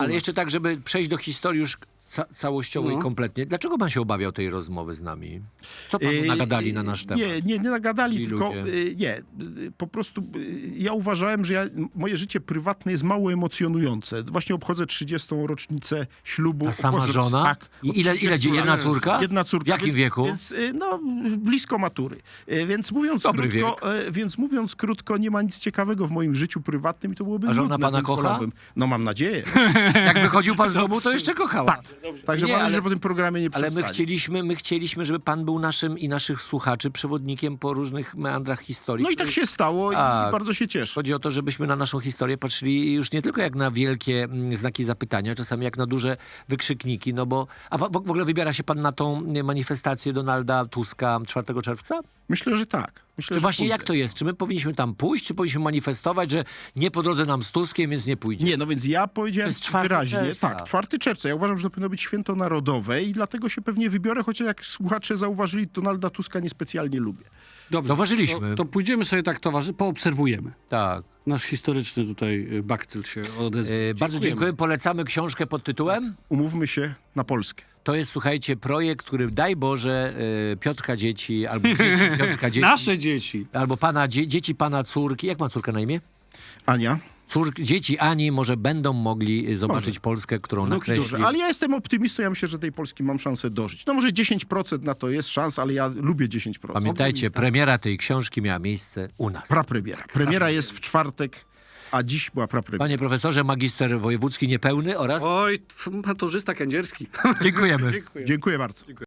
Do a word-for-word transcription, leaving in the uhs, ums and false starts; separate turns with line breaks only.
Ale jeszcze tak, żeby przejść do historii już ca całościowej
No.
kompletnie. Dlaczego pan się obawiał tej rozmowy z nami? Co panu
Yy,
nagadali na nasz temat?
Nie, nie, nie nagadali,
Ci
tylko
ludzie.
yy, nie. Yy, Po prostu yy, ja uważałem, że ja, moje życie prywatne jest mało emocjonujące. Właśnie obchodzę trzydziestą rocznicę ślubu.
Ta sama
Obchodzę-
żona?
Tak.
I
od
ile, ile
trzydziestu
dzie- jedna
lat.
córka?
Jedna córka.
W jakim
więc,
wieku?
Więc, yy, no, blisko matury. Yy, Więc mówiąc,
Dobry
krótko, yy, więc mówiąc krótko, nie ma nic ciekawego w moim życiu prywatnym i to byłoby
A żona
nudne,
pana
więc
kocha?
wolałbym- No mam nadzieję.
Jak wychodził pan z domu, to jeszcze kochała.
Tak. Także
Nie,
mam nadzieję,
ale-
że po tym programie nie
Ale my
przestanie.
chcieliśmy, my chcieliśmy, żeby pan był naszym i naszych słuchaczy przewodnikiem po różnych meandrach historii.
No i tak się stało
Tak.
i bardzo się cieszę.
Chodzi o to, żebyśmy na naszą historię patrzyli już nie tylko jak na wielkie mm, znaki zapytania, czasami jak na duże wykrzykniki, no bo... A w, w ogóle wybiera się pan na tą nie, manifestację Donalda Tuska czwartego czerwca?
Myślę, że tak. Myślę,
Czy
że
właśnie
pójdę.
jak to jest? Czy my powinniśmy tam pójść, czy powinniśmy manifestować, że nie po drodze nam z Tuskiem, więc nie pójdzie?
Nie, no więc ja powiedziałem
To jest czwarty
wyraźnie.
czerwca.
Tak, czwartego czerwca. Ja uważam, że to powinno być święto narodowe i dlatego się pewnie wybiorę, chociaż jak słuchacze zauważyli, Donalda Tuska niespecjalnie lubię.
Dobrze,
Zauważyliśmy.
To, to pójdziemy sobie tak towarzy, poobserwujemy.
Tak.
Nasz historyczny tutaj y, bakcyl się odezwał.
E, bardzo dziękuję. Polecamy książkę pod tytułem?
Umówmy się na Polskę.
To jest, słuchajcie, projekt, który daj Boże e, Piotrka dzieci, albo dzieci Piotrka dzieci,
Nasze dzieci.
albo pana, dzie, dzieci pana córki. Jak ma córka na imię?
Ania?
Córki, dzieci Ani może będą mogli zobaczyć Polskę, którą
Wnuki
nakreśli.
Dobrze, ale ja jestem optymistą, ja myślę, że tej Polski mam szansę dożyć. No może dziesięć procent na to jest szans, ale ja lubię dziesięć procent.
Pamiętajcie, premiera tej książki miała miejsce u nas.
Prapremiera. Premiera jest w czwartek, a dziś była prapremiera.
Panie profesorze, magister wojewódzki niepełny oraz...
Oj, maturzysta kędzierski.
Dziękujemy.
Dziękuję.
Dziękuję bardzo.